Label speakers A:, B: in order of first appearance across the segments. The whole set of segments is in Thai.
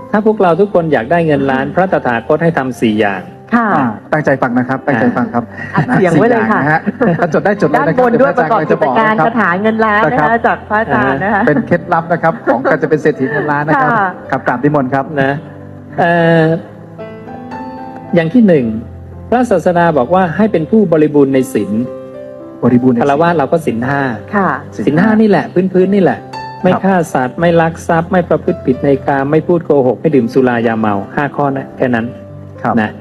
A: ถ้าพวกเราทุกคนอยากได้เงินล้านพระตถาคตให้ทำ4 อย่าง
B: ค่ะ
C: ตั้งใจฟังนะครับตั้งใจฟังครับ
B: อัดเสียงไว้เลยค่ะ
C: 4 อางนฮถ้าจดได้จดได้
B: ด้าน
C: นะค
B: บ
C: รับ
B: นด้วยประกอบกิจการ
C: ค
B: คาถาเงินล้านนะคะจากพระอาจารย์นะคะ
C: เป็นเคล็ดลับนะครับของการจะเป็นเศรษฐีเงินล้านนะครับ
B: ค่ะ
C: ครับกราบนิมนต์ครับ
A: นะอย่างที่1พระศาสดาบอกว่าให้เป็นผู้บริบูรณ์ในศีล
C: บริบูรณ์ใน
A: คารวะเราก็ศีล
B: ค่ะ
A: 5ศีล 5นี่แหละพื้นนี่แหละ ไม่ฆ่าสัตว์ไม่ลักทรัพย์ไม่ประพฤติผิดในกามไม่พูดโกหกไม่ดื่มสุรายาเมา5 ข้อนะแค่นั้น
C: ครับ
A: นะ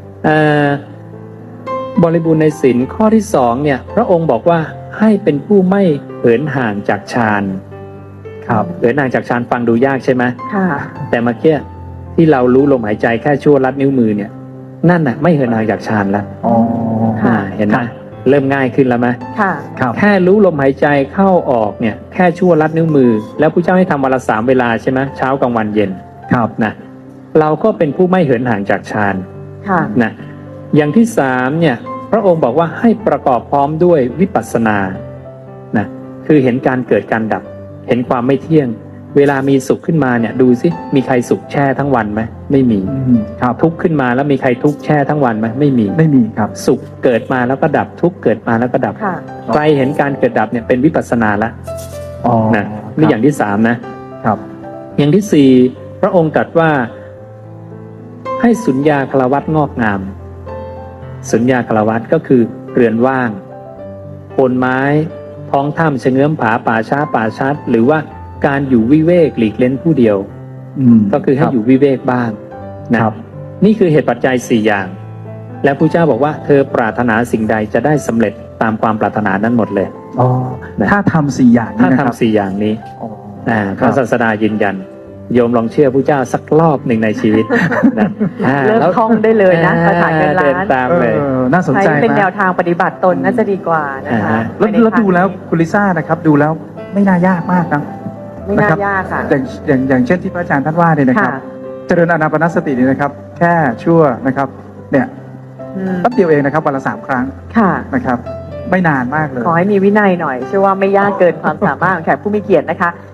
A: บริบูรณ์ในศีลข้อที่2เนี่ยพระองค์บอกว่าให้เป็นผู้ไม่เหินห่างจากฌาน
C: ครับ
A: เหินห่างจากฌานฟังดูยากใช่ไหม
B: ค่ะ
A: แต่เมื่อกี้ที่เรารู้ลมหายใจแค่ชั่วลัดนิ้วมือเนี่ยนั่นน่ะไม่เหินห่างจากฌานแล้ว
C: อ๋อ
B: ค่ะ
A: เห็นไหมเริ่มง่ายขึ้นแล้วไหม
B: ค่ะ
C: ครับ
A: แค่รู้ลมหายใจเข้าออกเนี่ยแค่ชั่วลัดนิ้วมือ แล้วพระเจ้าให้ทำวันละ3 เวลาใช่ไหมเช้ากลางวันเย็น
C: ครับ
A: นะเราก็เป็นผู้ไม่เหินห่างจากฌาน
B: ค่ะ
A: นะอย่างที่3เนี่ยพระองค์บอกว่าให้ประกอบพร้อมด้วยวิปัสสนานะคือเห็นการเกิดการดับ เห็นความไม่เที่ยง เวลามีสุขขึ้นมาเนี่ยดูสิมีใครสุขแช่ทั้งวันไหมไม่มี
C: ครับ
A: ทุกข์ขึ้นมาแล้วมีใครทุกข์แช่ทั้งวันไหมไม่มี
C: ไม่มีครับ
A: สุขเกิดมาแล้วก็ดับทุกข์เกิดมาแล้วก็ดับ
B: ค่ะ
A: ใครเห็นการเกิดดับเนี่ยเป็นวิปัสสนาละ
C: อ๋อ
A: นะนี่อย่างที่3นะครับ อย่างที่4พระองค์ตรัสว่าให้สุญญาคารวัตงอกงาม สุญญาคารวัตก็คือเรือนว่างโคนไม้ท้องถ้ำเชงเง้อมผาป่าช้าป่าชัด หรือว่าการอยู่วิเวกหลีกเล่นผู้เดียว ก็คือให้อยู่วิเวกบ้างนะครับ นี่คือเหตุปัจจัย4 อย่าง และพระเจ้าบอกว่าเธอปรารถนาสิ่งใดจะได้สำเร็จตามความปรารถนานั้นหมดเลย
C: อ๋อ
A: นะ
C: ถ้าทำ4 อย่าง
A: ถ้า
C: นี้นะครับ
A: ทำ4 อย่างนี้
C: อ๋อ
A: พระศาสดายืนยัน โยมลองเชื่อพระเจ้าสักรอบหนึ่งในชีวิตนะ
B: เริ่ม
A: แล้ว
B: ท่องได้เลยนะคาถาเงินล้าน
A: เดินตามเลย
C: น่าสนใจ
B: ใช้เป็นแน
C: นะ
B: วทางปฏิบัติตนน่าจะดีกว่านะคะ
C: แล้วดูแล้วคุณลิซ่านะครับดูแล้วไม่น่ายากมากนะ
B: ไม่น่ายากค่ะ
C: อย่างเช่นที่พระอาจารย์ท่านว่าเนี่ยนะครับ
B: ค่ะ
C: เจริญอานาปานสติเนี่ยนะครับ แค่ชั่วนะครับเนี่ย
B: อืม
C: แป๊บเดียวเองนะครับวันละ3 ครั้ง
B: ค่ะ
C: นะครับ ไม่นานมากเลย
B: ขอให้มีวินัยหน่อยเชื่อว่าไม่ยากเกินความสามารถของแขกผู้มีเกียรตินะคะ